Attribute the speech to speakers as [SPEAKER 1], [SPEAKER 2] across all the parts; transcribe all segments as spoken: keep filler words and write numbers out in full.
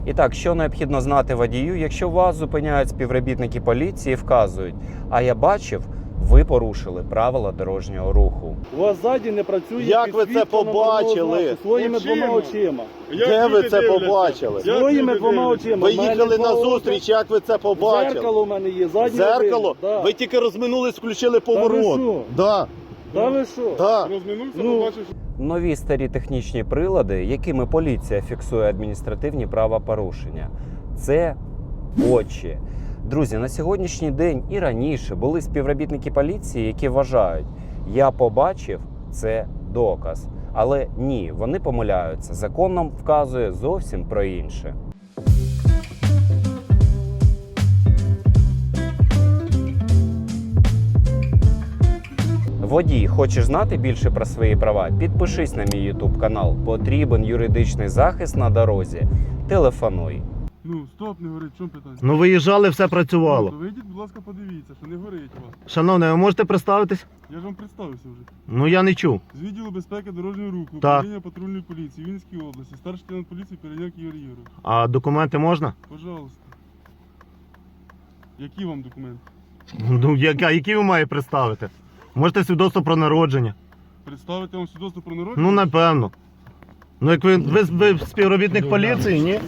[SPEAKER 1] І так, що необхідно знати водію, якщо вас зупиняють співробітники поліції і вказують, а я бачив, ви порушили правила дорожнього руху.
[SPEAKER 2] У вас ззаді не працює
[SPEAKER 3] Як ви це
[SPEAKER 2] підсвітка
[SPEAKER 3] побачили?
[SPEAKER 2] номерного знаку своїми
[SPEAKER 4] Очима.
[SPEAKER 2] двома очима.
[SPEAKER 3] Де ви це побачили?
[SPEAKER 4] Як
[SPEAKER 2] Своїми
[SPEAKER 4] люди
[SPEAKER 2] двома
[SPEAKER 4] дивляться?
[SPEAKER 2] очима.
[SPEAKER 3] Ви
[SPEAKER 2] В мене
[SPEAKER 3] їхали
[SPEAKER 2] два
[SPEAKER 3] на
[SPEAKER 2] ока.
[SPEAKER 3] зустріч, як ви це побачили?
[SPEAKER 2] Зеркало в мене є, заднє
[SPEAKER 3] Зеркало?
[SPEAKER 2] видно, да.
[SPEAKER 3] Ви тільки розминулись, включили поворот.
[SPEAKER 2] що?
[SPEAKER 3] Да,
[SPEAKER 2] Та ви що?
[SPEAKER 3] да.
[SPEAKER 4] Розминувся,
[SPEAKER 2] Ну.
[SPEAKER 4] побачив, що
[SPEAKER 1] Нові старі технічні прилади, якими поліція фіксує адміністративні правопорушення. Це очі. Друзі, на сьогоднішній день і раніше були співробітники поліції, які вважають, я побачив, це доказ. Але ні, вони помиляються. Закон нам вказує зовсім про інше. Водій, хочеш знати більше про свої права? Підпишись на мій ютуб канал. Потрібен юридичний захист на дорозі. Телефонуй.
[SPEAKER 4] ну стоп, не горить, в чому питання?
[SPEAKER 3] Ну виїжджали, все
[SPEAKER 4] Ну,
[SPEAKER 3] працювало.
[SPEAKER 4] то вийдіть, будь ласка, подивіться, що не горить у вас.
[SPEAKER 3] Шановний, ви можете представитись?
[SPEAKER 4] Я ж вам представився вже.
[SPEAKER 3] Ну я не чув.
[SPEAKER 4] З відділу безпеки дорожнього руху,
[SPEAKER 3] Так.
[SPEAKER 4] управління патрульної поліції Вінницькій області, старший лейтенант поліції Переняк Ігор Ігорович.
[SPEAKER 3] А документи можна?
[SPEAKER 4] Пожалуйста. Які вам документи?
[SPEAKER 3] Ну яка, які ви маєте представити? Можете свідоцтво про народження?
[SPEAKER 4] Представити вам свідоцтво про народження?
[SPEAKER 3] Ну напевно. Ну як ви, ви, ви співробітник поліції, ні?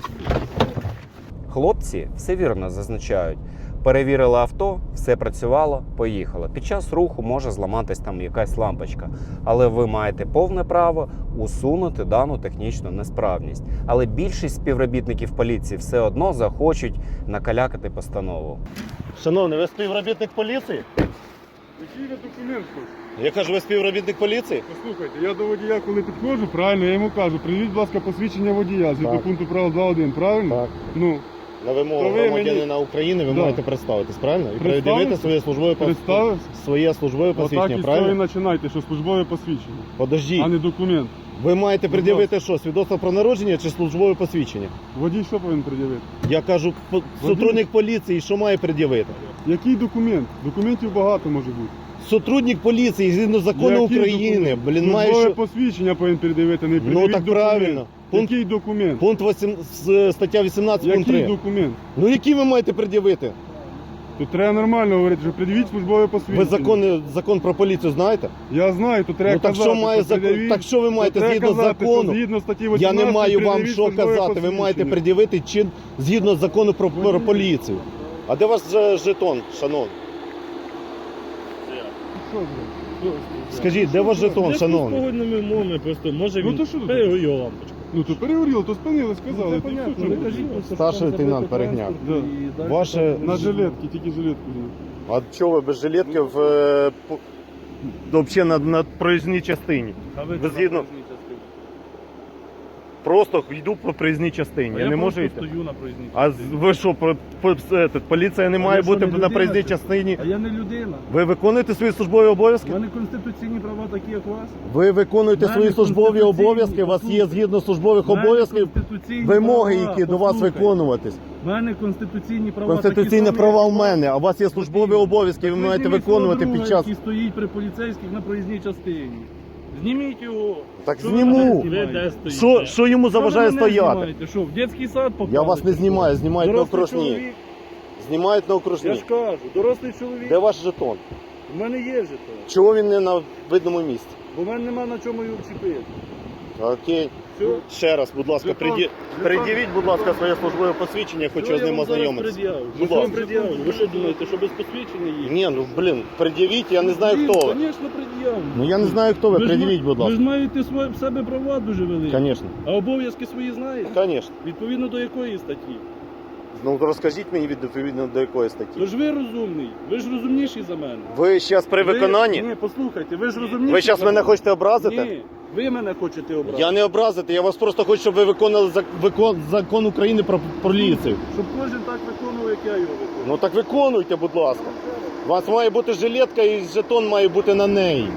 [SPEAKER 1] Хлопці все вірно зазначають. Перевірили авто, все працювало, поїхало. Під час руху може зламатись там якась лампочка. Але ви маєте повне право усунути дану технічну несправність. Але більшість співробітників поліції все одно захочуть накалякати постанову.
[SPEAKER 3] Шановний, ви співробітник поліції?
[SPEAKER 4] Який ви документ хочете?
[SPEAKER 3] Я кажу, ви співробітник поліції?
[SPEAKER 4] Послухайте, я до водія, коли підходжу, правильно, я йому кажу, приведіть, будь ласка, посвідчення водія, згідно
[SPEAKER 3] Так.
[SPEAKER 4] пункту правил два один, правильно?
[SPEAKER 3] Так.
[SPEAKER 4] Ну,
[SPEAKER 3] На вимогу
[SPEAKER 4] То ви
[SPEAKER 3] громадянина України ви
[SPEAKER 4] Да.
[SPEAKER 3] маєте представитись, правильно? І
[SPEAKER 4] Представився?
[SPEAKER 3] пред'явити своє службове пос-
[SPEAKER 4] Представився?
[SPEAKER 3] своє службове
[SPEAKER 4] отак
[SPEAKER 3] посвідчення,
[SPEAKER 4] і з цього і
[SPEAKER 3] правильно?
[SPEAKER 4] починайте, що службове посвідчення,
[SPEAKER 3] Подождіть.
[SPEAKER 4] а не документ.
[SPEAKER 3] Ви маєте
[SPEAKER 4] Будь
[SPEAKER 3] пред'явити що? Свідоцтво про народження чи службове посвідчення?
[SPEAKER 4] Водій що повинен пред'явити?
[SPEAKER 3] Я кажу, по- сотрудник поліції, що має пред'явити?
[SPEAKER 4] Який документ? Документів багато може бути.
[SPEAKER 3] Сотрудник поліції, згідно закону
[SPEAKER 4] Який
[SPEAKER 3] України,
[SPEAKER 4] документ?
[SPEAKER 3] блін, має
[SPEAKER 4] Службове
[SPEAKER 3] що...
[SPEAKER 4] посвідчення повинен пред'явити, не
[SPEAKER 3] Ну
[SPEAKER 4] пред'явіть
[SPEAKER 3] так
[SPEAKER 4] документ.
[SPEAKER 3] правильно. Пункт,
[SPEAKER 4] Який документ?
[SPEAKER 3] пункт вісім, з- стаття вісімнадцять, пункт
[SPEAKER 4] Який
[SPEAKER 3] три.
[SPEAKER 4] документ?
[SPEAKER 3] Ну який ви маєте пред'явити?
[SPEAKER 4] Тут треба нормально говорити, що пред'явіть службове посвідчення.
[SPEAKER 3] Ви закон, закон про поліцію знаєте?
[SPEAKER 4] Я знаю, тут треба
[SPEAKER 3] Ну так
[SPEAKER 4] казати,
[SPEAKER 3] що має закон?
[SPEAKER 4] пред'явіть.
[SPEAKER 3] Так що ви
[SPEAKER 4] Тут
[SPEAKER 3] маєте
[SPEAKER 4] треба
[SPEAKER 3] згідно
[SPEAKER 4] казати,
[SPEAKER 3] закону?
[SPEAKER 4] що згідно статті
[SPEAKER 3] Я
[SPEAKER 4] вісімнадцять
[SPEAKER 3] не маю вам
[SPEAKER 4] пред'явіть
[SPEAKER 3] що
[SPEAKER 4] службове
[SPEAKER 3] казати. Ви маєте
[SPEAKER 4] посвідчення.
[SPEAKER 3] пред'явити чин згідно закону про, про
[SPEAKER 4] Водій.
[SPEAKER 3] поліцію. А де ваш же жетон, шановний?
[SPEAKER 4] Що ви? Що?
[SPEAKER 3] Скажіть, де ваш жетон, шановний?
[SPEAKER 2] Погодними умовами просто може
[SPEAKER 4] Ну,
[SPEAKER 2] він
[SPEAKER 4] то що тут?
[SPEAKER 2] перегорів лампочку.
[SPEAKER 4] Ну то перегоріло, то спинили, сказали.
[SPEAKER 2] Це
[SPEAKER 4] то і
[SPEAKER 2] понятно,
[SPEAKER 4] все,
[SPEAKER 2] не
[SPEAKER 4] чому?
[SPEAKER 2] кажіть, що
[SPEAKER 3] Старший
[SPEAKER 2] там
[SPEAKER 3] лейтенант
[SPEAKER 2] забити
[SPEAKER 3] Перегняк.
[SPEAKER 2] транспорт і далі
[SPEAKER 3] Ваше-
[SPEAKER 2] там-
[SPEAKER 4] На жилетки, тільки жилетку взяв.
[SPEAKER 3] А чого ви без жилетки в е, по- взагалі на, на проїзній частині?
[SPEAKER 2] А ви
[SPEAKER 3] Ви
[SPEAKER 2] це
[SPEAKER 3] згідно-
[SPEAKER 2] на проїзній частині.
[SPEAKER 3] Просто йду по проїзній частині.
[SPEAKER 2] А
[SPEAKER 3] Я, не можу
[SPEAKER 2] просто
[SPEAKER 3] йти.
[SPEAKER 2] стою на проїзній
[SPEAKER 3] А з-
[SPEAKER 2] частині.
[SPEAKER 3] ви що, по, по, этот, поліція не
[SPEAKER 2] А
[SPEAKER 3] має
[SPEAKER 2] я що,
[SPEAKER 3] бути
[SPEAKER 2] не
[SPEAKER 3] на
[SPEAKER 2] людина,
[SPEAKER 3] проїзній
[SPEAKER 2] чи?
[SPEAKER 3] частині?
[SPEAKER 2] А я не людина.
[SPEAKER 3] Ви виконуєте свої службові обов'язки?
[SPEAKER 2] У мене конституційні права такі, як у вас.
[SPEAKER 3] Ви виконуєте
[SPEAKER 2] В мене
[SPEAKER 3] свої службові
[SPEAKER 2] конституційні,
[SPEAKER 3] обов'язки, у вас є
[SPEAKER 2] послухайте.
[SPEAKER 3] згідно службових
[SPEAKER 2] У мене
[SPEAKER 3] обов'язків
[SPEAKER 2] конституційні
[SPEAKER 3] вимоги,
[SPEAKER 2] права,
[SPEAKER 3] які до вас
[SPEAKER 2] послухайте.
[SPEAKER 3] виконуватись.
[SPEAKER 2] У мене конституційні права.
[SPEAKER 3] Конституційні
[SPEAKER 2] такі
[SPEAKER 3] права
[SPEAKER 2] самі,
[SPEAKER 3] в
[SPEAKER 2] як у вас.
[SPEAKER 3] мене, а у вас є службові
[SPEAKER 2] Водій.
[SPEAKER 3] обов'язки, ви
[SPEAKER 2] Так
[SPEAKER 3] маєте
[SPEAKER 2] зніміть свого
[SPEAKER 3] виконувати
[SPEAKER 2] друга,
[SPEAKER 3] під час.
[SPEAKER 2] який стоїть при поліцейських на проїзній частині. Зніміть його.
[SPEAKER 3] Так
[SPEAKER 2] Що ви
[SPEAKER 3] зніму.
[SPEAKER 2] мене знімаєте?
[SPEAKER 3] Що, що йому заважає
[SPEAKER 2] Що ви мене
[SPEAKER 3] стояти?
[SPEAKER 2] знімаєте? Що, в дитячий сад
[SPEAKER 3] Я
[SPEAKER 2] попали?
[SPEAKER 3] вас не знімаю, знімають на
[SPEAKER 2] Дорослий
[SPEAKER 3] окружні.
[SPEAKER 2] чоловік,
[SPEAKER 3] Знімають на
[SPEAKER 2] я
[SPEAKER 3] окружні.
[SPEAKER 2] ж кажу, дорослий чоловік.
[SPEAKER 3] Де ваш жетон?
[SPEAKER 2] У мене є жетон.
[SPEAKER 3] Чого він не на видному місці?
[SPEAKER 2] Бо в мене нема на чому його вчепити.
[SPEAKER 3] Окей.
[SPEAKER 2] Все?
[SPEAKER 3] Ще раз, будь ласка,
[SPEAKER 4] Жетон.
[SPEAKER 3] приді-
[SPEAKER 4] Жетон.
[SPEAKER 3] пред'явіть, будь ласка, своє службове посвідчення, я хочу
[SPEAKER 2] Що
[SPEAKER 3] з
[SPEAKER 2] я
[SPEAKER 3] ним
[SPEAKER 2] вам зараз
[SPEAKER 3] ознайомитися.
[SPEAKER 2] пред'явлю?
[SPEAKER 3] Будь
[SPEAKER 2] Що вам
[SPEAKER 3] ласка.
[SPEAKER 2] пред'явлю? Ви що думаєте, що без посвідчення є?
[SPEAKER 3] Ні, ну блін, пред'явіть, я не знаю хто ви.
[SPEAKER 2] Звісно, пред'явлю.
[SPEAKER 3] Ну я не знаю хто ви,
[SPEAKER 2] ж
[SPEAKER 3] пред'явіть,
[SPEAKER 2] ма-
[SPEAKER 3] будь
[SPEAKER 2] Ви ж
[SPEAKER 3] ласка.
[SPEAKER 2] маєте своє, в себе права дуже великі.
[SPEAKER 3] Звісно,
[SPEAKER 2] А обов'язки свої знаєте?
[SPEAKER 3] звісно.
[SPEAKER 2] Відповідно до якої статті?
[SPEAKER 3] Ну розкажіть мені відповідно до якої статті.
[SPEAKER 2] Ви ж ви розумний, ви ж розумніший за мене.
[SPEAKER 3] Ви зараз при
[SPEAKER 2] Ви-
[SPEAKER 3] виконанні?
[SPEAKER 2] Ні, послухайте, ви ж розумніший.
[SPEAKER 3] Ви зараз
[SPEAKER 2] за
[SPEAKER 3] мене хочете образити?
[SPEAKER 2] Ні, ви мене хочете обрати.
[SPEAKER 3] Я не образити, я вас просто хочу, щоб ви виконали зак- викон- закон України про поліцію.
[SPEAKER 2] Щоб кожен так виконував, як я його виконую.
[SPEAKER 3] Ну так виконуйте, будь ласка. У вас має бути жилетка і жетон має бути на неї.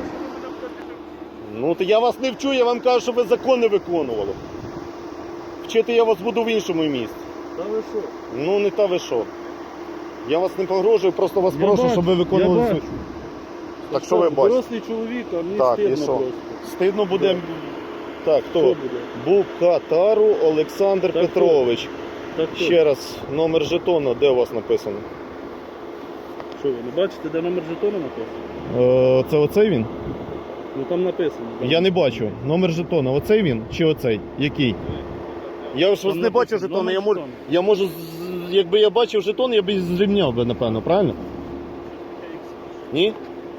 [SPEAKER 3] Ну то я вас не вчу, я вам кажу, щоб ви закон не виконували. Вчити я вас буду в іншому місці.
[SPEAKER 2] Та ви що?
[SPEAKER 3] Ну не та ви що. Я вас не погрожую, просто вас
[SPEAKER 2] Я
[SPEAKER 3] прошу,
[SPEAKER 2] бачу,
[SPEAKER 3] щоб ви виконували
[SPEAKER 2] я
[SPEAKER 3] свою.
[SPEAKER 2] бачу.
[SPEAKER 3] Так що ви бачите?
[SPEAKER 2] Дорослий чоловік, а мені
[SPEAKER 3] Так, і
[SPEAKER 2] стидно
[SPEAKER 3] що?
[SPEAKER 2] просто.
[SPEAKER 3] Стидно буде. Так,
[SPEAKER 2] Хто
[SPEAKER 3] хто?
[SPEAKER 2] буде?
[SPEAKER 3] Букатару Олександр
[SPEAKER 2] Так,
[SPEAKER 3] Петрович.
[SPEAKER 2] Так хто?
[SPEAKER 3] Ще раз, номер жетона, де у вас написано?
[SPEAKER 2] Що ви не бачите, де номер жетона написано?
[SPEAKER 3] Е, це оцей він?
[SPEAKER 2] Ну там написано. так.
[SPEAKER 3] Я не бачу. Номер жетона, оцей він чи оцей? Який? Я ж
[SPEAKER 2] Там
[SPEAKER 3] ось не бачу
[SPEAKER 2] написано,
[SPEAKER 3] жетона, я
[SPEAKER 2] номер
[SPEAKER 3] можу,
[SPEAKER 2] жетона.
[SPEAKER 3] я можу, з- якби я бачив жетон, я б зрівняв би, напевно, правильно? Ні?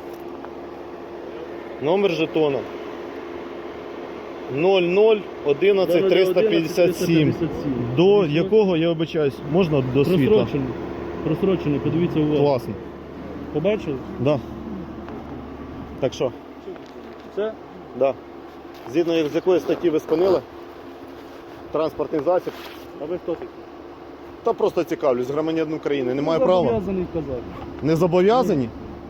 [SPEAKER 3] Номер жетона. нуль нуль одинадцять триста п'ятдесят сім. До якого, я вибачаюсь, можна до світла?
[SPEAKER 2] Просрочений. Просрочений, подивіться уважно.
[SPEAKER 3] Класно.
[SPEAKER 2] Побачили?
[SPEAKER 3] Да. Так що?
[SPEAKER 2] Це?
[SPEAKER 3] Да. Згідно з якої статті ви спинили? Транспортний засіб.
[SPEAKER 2] А ви хто такий?
[SPEAKER 3] Та просто цікавлюсь, громадянин України. Не маю
[SPEAKER 2] Ну,
[SPEAKER 3] права.
[SPEAKER 2] зобов'язаний казати.
[SPEAKER 3] Не зобов'язані?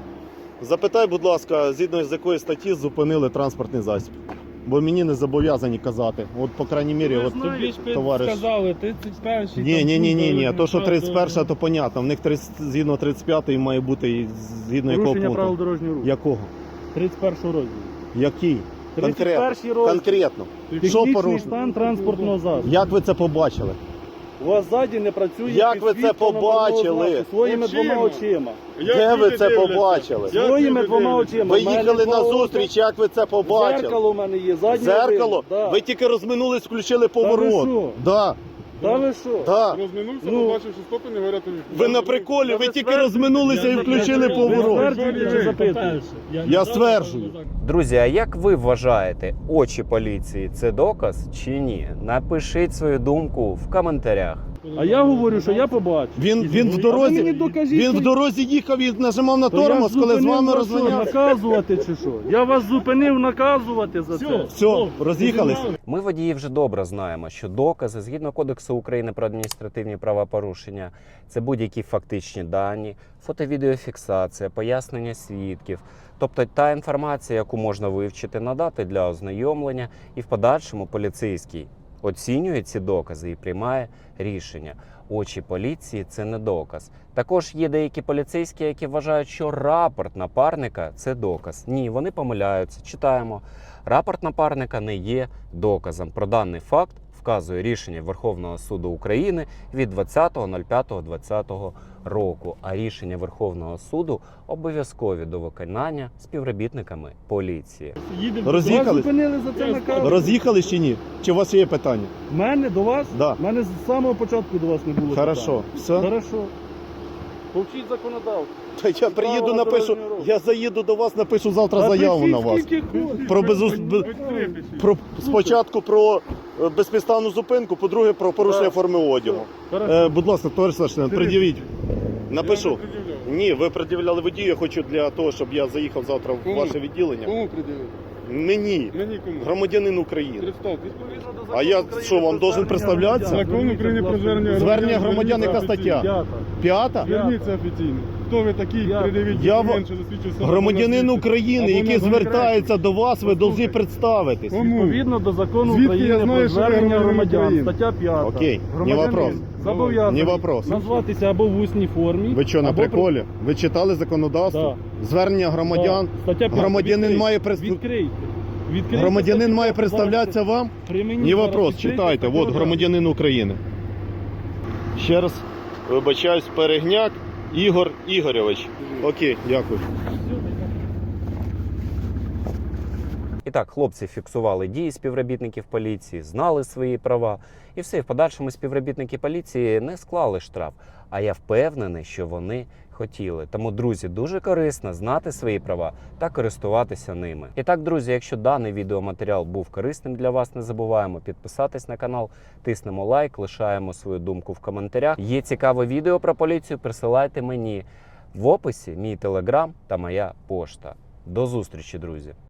[SPEAKER 3] Запитай, будь ласка, згідно з якої статті зупинили транспортний засіб. Бо мені не зобов'язані казати. От, по крайній мірі, от
[SPEAKER 2] Тобі ж
[SPEAKER 3] товариш.
[SPEAKER 2] сказали, тридцять перший.
[SPEAKER 3] Ні, ні, ні, ні, ні.
[SPEAKER 2] там,
[SPEAKER 3] То, що
[SPEAKER 2] ну,
[SPEAKER 3] тридцять перша, то понятно. В них тридцять згідно тридцять п'ятої має бути і згідно якого
[SPEAKER 2] Порушення правил
[SPEAKER 3] пункту.
[SPEAKER 2] дорожнього руху.
[SPEAKER 3] Якого?
[SPEAKER 2] тридцять перший розділ.
[SPEAKER 3] Який?
[SPEAKER 2] тридцять
[SPEAKER 3] Конкретно.
[SPEAKER 2] перший розділ.
[SPEAKER 3] Конкретно. Що
[SPEAKER 2] Технічний
[SPEAKER 3] порушено?
[SPEAKER 2] стан транспортного засобу.
[SPEAKER 3] Як ви це побачили?
[SPEAKER 2] У вас ззаді не працює
[SPEAKER 3] Як ви це
[SPEAKER 2] підсвітка номерного
[SPEAKER 3] побачили?
[SPEAKER 2] знаку своїми
[SPEAKER 4] Очима.
[SPEAKER 2] двома очима.
[SPEAKER 3] Де ви це побачили?
[SPEAKER 4] Як
[SPEAKER 2] Своїми
[SPEAKER 4] люди
[SPEAKER 2] двома
[SPEAKER 4] дивляться?
[SPEAKER 2] очима.
[SPEAKER 3] Ви
[SPEAKER 2] В мене
[SPEAKER 3] їхали
[SPEAKER 2] два
[SPEAKER 3] на
[SPEAKER 2] ока.
[SPEAKER 3] зустріч, як ви це побачили?
[SPEAKER 2] Зеркало в мене є, заднє
[SPEAKER 3] Зеркало?
[SPEAKER 2] видно, да.
[SPEAKER 3] Ви тільки розминулись, включили поворот.
[SPEAKER 2] що?
[SPEAKER 3] Да,
[SPEAKER 2] Та ви що?
[SPEAKER 3] да.
[SPEAKER 4] Розминувся,
[SPEAKER 2] Ну.
[SPEAKER 4] побачив, що стопи не горять.
[SPEAKER 3] Ви на приколі, ви
[SPEAKER 2] ви
[SPEAKER 3] тільки
[SPEAKER 2] стверджуєте?
[SPEAKER 3] розминулися і
[SPEAKER 2] Я
[SPEAKER 3] включили
[SPEAKER 2] Ви
[SPEAKER 3] поворот.
[SPEAKER 2] стверджуєте чи запитуєте?
[SPEAKER 3] Я стверджую.
[SPEAKER 1] Друзі, а як ви вважаєте, очі поліції це доказ чи ні? Напишіть свою думку в коментарях.
[SPEAKER 2] А я говорю, що я побачив.
[SPEAKER 3] Він, він в
[SPEAKER 2] А ви
[SPEAKER 3] дорозі,
[SPEAKER 2] мені докажіть,
[SPEAKER 3] він в
[SPEAKER 2] що-
[SPEAKER 3] дорозі їхав і нажимав на
[SPEAKER 2] То я
[SPEAKER 3] тормоз, коли з
[SPEAKER 2] зупинив
[SPEAKER 3] вами
[SPEAKER 2] вас що,
[SPEAKER 3] розганявся.
[SPEAKER 2] наказувати чи що? Я вас зупинив наказувати за це.
[SPEAKER 3] Все, роз'їхались.
[SPEAKER 1] Ми, водії, вже добре знаємо, що докази, згідно Кодексу України про адміністративні правопорушення, це будь-які фактичні дані, фото-відеофіксація, пояснення свідків, тобто та інформація, яку можна вивчити, надати для ознайомлення, і в подальшому поліцейський оцінює ці докази і приймає рішення. Очі поліції – це не доказ. Також є деякі поліцейські, які вважають, що рапорт напарника – це доказ. Ні, вони помиляються. Читаємо. Рапорт напарника не є доказом. Про даний факт вказує рішення Верховного суду України від двадцятого п'ятого двадцятого року. А рішення Верховного суду обов'язкові до виконання співробітниками поліції.
[SPEAKER 2] Вас
[SPEAKER 3] Роз'їхались?
[SPEAKER 2] зупинили за це наказ.
[SPEAKER 3] Роз'їхались чи ні? Чи у вас є питання?
[SPEAKER 2] Мене до вас?
[SPEAKER 3] Да.
[SPEAKER 2] Мене з самого початку до вас не було.
[SPEAKER 3] Хорошо,
[SPEAKER 2] питань.
[SPEAKER 3] все.
[SPEAKER 2] Хорошо. Повчіть законодавство.
[SPEAKER 3] Та я приїду,
[SPEAKER 2] Правила
[SPEAKER 3] напишу,
[SPEAKER 2] дорожнього руху.
[SPEAKER 3] я заїду до вас, напишу завтра заяву на вас. Про безус... б- Про, спочатку про е, безпідставну зупинку, по-друге, про порушення
[SPEAKER 2] Так.
[SPEAKER 3] форми одягу. Е, будь ласка, товариш Сашин, пред'явіть. Напишу. Ні, ви пред'являли водію, я хочу для того, щоб я заїхав завтра в
[SPEAKER 4] Кому?
[SPEAKER 3] ваше відділення.
[SPEAKER 4] Кому приділити?
[SPEAKER 3] Мені,
[SPEAKER 4] Мені кому?
[SPEAKER 3] громадянин України.
[SPEAKER 4] Представтесь.
[SPEAKER 3] А я що, вам должен представлятися?
[SPEAKER 4] Закон України про звернення
[SPEAKER 3] Звернення громадян, яка стаття?
[SPEAKER 2] П'ята.
[SPEAKER 3] П'ята?
[SPEAKER 4] Зверніться офіційно. Хто ви такий?
[SPEAKER 2] Я-
[SPEAKER 4] Придивіть
[SPEAKER 3] Я
[SPEAKER 4] документ, що засвідчує особу
[SPEAKER 3] Громадянин
[SPEAKER 4] на світі.
[SPEAKER 3] України,
[SPEAKER 4] Або
[SPEAKER 3] який
[SPEAKER 4] на
[SPEAKER 3] звертається до вас, ви повинні
[SPEAKER 2] Послухайте.
[SPEAKER 3] представитись.
[SPEAKER 4] Кому?
[SPEAKER 2] Відповідно до закону
[SPEAKER 4] Звідки я
[SPEAKER 2] України
[SPEAKER 4] знаю,
[SPEAKER 2] про
[SPEAKER 4] що ви
[SPEAKER 2] звернення
[SPEAKER 4] громадянин
[SPEAKER 2] громадян,
[SPEAKER 4] України?
[SPEAKER 2] стаття п'ята.
[SPEAKER 3] Окей, не
[SPEAKER 2] Громадянин
[SPEAKER 3] вопрос.
[SPEAKER 2] зобов'язаний
[SPEAKER 3] Не вопрос.
[SPEAKER 2] назватися або в усній формі.
[SPEAKER 3] Ви що, на
[SPEAKER 2] або при-
[SPEAKER 3] приколі? Ви читали законодавство? Звернення громадян.
[SPEAKER 2] Да. Стаття п'ята.
[SPEAKER 3] Громадянин
[SPEAKER 2] Відкрийте.
[SPEAKER 3] має прес-
[SPEAKER 2] Відкрийте. Відкрийте
[SPEAKER 3] Громадянин
[SPEAKER 2] статтю
[SPEAKER 3] має
[SPEAKER 2] п'яту.
[SPEAKER 3] представлятися вам?
[SPEAKER 2] При мені
[SPEAKER 3] Не
[SPEAKER 2] зараз
[SPEAKER 3] вопрос,
[SPEAKER 2] відкрийте
[SPEAKER 3] читайте.
[SPEAKER 2] статтю
[SPEAKER 3] От
[SPEAKER 2] п'яту.
[SPEAKER 3] громадянин України. Ще раз вибачаюсь, Перегняк Ігор Ігорьович. Окей, дякую.
[SPEAKER 1] І так, хлопці фіксували дії співробітників поліції, знали свої права. І все, і в подальшому співробітники поліції не склали штраф. А я впевнений, що вони хотіли. Тому, друзі, дуже корисно знати свої права та користуватися ними. І так, друзі, якщо даний відеоматеріал був корисним для вас, не забуваємо підписатись на канал, тиснемо лайк, лишаємо свою думку в коментарях. Є цікаве відео про поліцію, присилайте мені в описі мій телеграм та моя пошта. До зустрічі, друзі!